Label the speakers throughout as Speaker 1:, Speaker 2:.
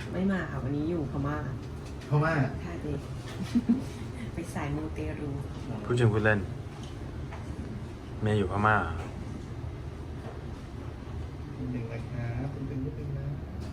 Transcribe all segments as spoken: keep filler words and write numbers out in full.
Speaker 1: ไม่มาค่ะวันนี้อยู่พม่า
Speaker 2: เพราะว่า
Speaker 1: ค่ะเด็ก ไปสายมูเตรู
Speaker 3: พูดจริงพูดเล่นเมย์อยู่พม่า
Speaker 2: นิดนึงนะครับนิดนึงนิดนึงนะ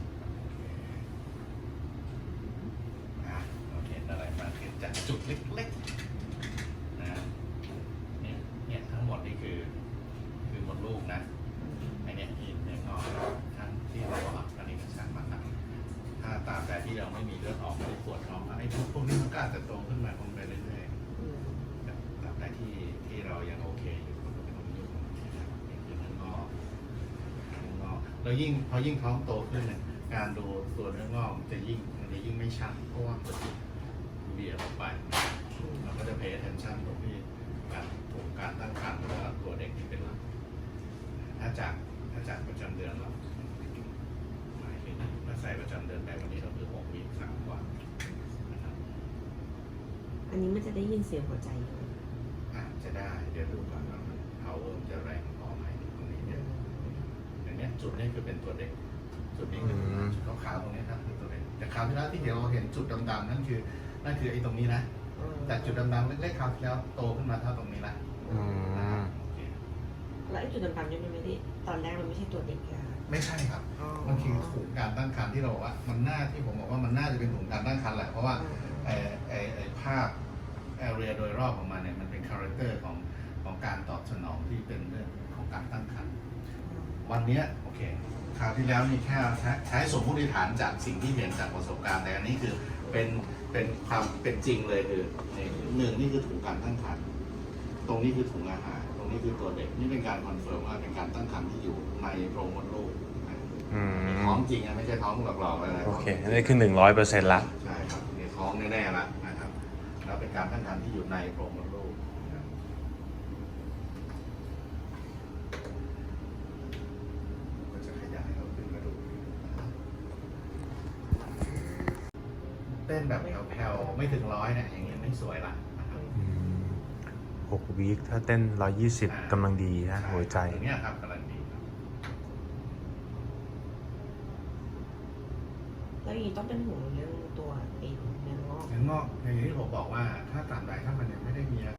Speaker 2: อ่ะเราเห็นอะไรมาเห็นจากจุดเล็กๆนะเนี่ยเนี่ยทั้งหมดนี่คือคือมดลูกนะไอเนี้ยที่เนื้องอกทั้งที่เราบอกอันนี้ก็ช่างมันนะถ้าตามแต่ที่เราไม่มีเลือดออกไม่ได้ปวดท้องไอ้พวกนี้มันก็อาจจะโตขึ้นมาคงไปเรื่อยๆแต่ตามแต่ที่ที่เรายังโอเคอยู่มันก็ไม่ต้องยุ่งนะครับนี่คือเนื้องอกเนื้องอกแล้วยิ่งพอยิ่งท้องโตขึ้นเนี่ยการดูตัวเนื้องอกมันจะยิ่งมันจะยิ่งไม่ชัดเพราะว่ามันเบี่ยงออกไปเราก็จะ pay attention ตรงที่การถูกการตั้งครรภ์แล้วก็ตัวเด็กที่เป็นหลักถ้าจากถ้าจากประจำเดือนเราหมายถึงถ้าใส่ประจำเดือนไปวันนี้เราคือหกวีคสามกว่านะครับ
Speaker 1: อันนี้มันจะได้ยินเสียงหัวใจอยู่
Speaker 2: อาจจะได้เดี๋ยวดูก่อนว่ามัน power มันจะแรงพอไหมตรงนี้เนี่ยอย่างเนี้ยจุดนี้คือเป็นตัวเด็กจุดนี้คือจุดขาวๆตรงนี้ครับคือตัวเด็กแต่คราวที่แล้วที่เดี๋ยวเราเห็นจุดดำๆนั่นคือนั่นคือไอ้ตรงนี้นะแต่จุดดำๆเล็กๆคราวที่แล้วโตขึ้นมาเท่าตรงนี้ละ
Speaker 3: อืม
Speaker 2: โอเค
Speaker 1: แล้วไอ้จุดดำๆนี่มันไม่ได้ตอนแรกมันไม่ใช่ตัวเด็กอะ
Speaker 2: ไม่ใช่ครับมันคือถุงการตั้งครรภ์ที่เราบอกว่ามันน่าที่ผมบอกว่ามันน่าจะเป็นถุงการตั้งครรภ์แหละเพราะว่าไอ้ไอ้ไอ้ภาพแอเรียโดยรอบของมันเนี่ยมันเป็นคาแรคเตอร์ของของการตอบสนองที่เป็นเรื่องของการตั้งครรภ์วันเนี้ยโอเคคราวที่แล้วนี่แค่ใช้สมมติฐานจากสิ่งที่เห็นจากประสบการณ์แต่อันนี้คือเป็นเป็นความเป็นจริงเลยคือหนึ่งนี่คือถุงการตั้งครรภ์ตรงนี้คือถุงอาหารตรงนี้คือตัวเด็กนี่เป็นการคอนเฟิร์มว่าเป็นการตั้งครรภ์ที่อยู่ในโพรงมดลูก
Speaker 3: อืม
Speaker 2: ท้องจริงอะไม่ใช่ท้องหลอกๆอะไร
Speaker 3: โอเคอันนี้คือหนึ่งร้อยเปอร์เซ็นต์ละ
Speaker 2: ใช่ครับนี่ท้องแน่ๆละนะครับแล้วเป็นการตั้งครรภ์ที่อยู่ในโพรงมดลูกนะครับก็จะขยายเราขึ้นมาดูนะครับเต้นแบบแผ่วๆไม่ถึงร้อยเนี่ยอย่างเงี้ยไม่สวยละนะครับ
Speaker 3: หกวีคถ้าเต้นร้อยยี่สิบกำลังดีนะหัวใจ
Speaker 2: อย่างเงี้ยครับกำลังดีครับ
Speaker 1: แล้วอย่างนี้ต้องเป็นห่วงเรื่องตัวไอ้เนื้องอก
Speaker 2: งั้นงอกอย่างที่ผมบอกว่าถ้าตามใดถ้ามันยังไม่ได้มี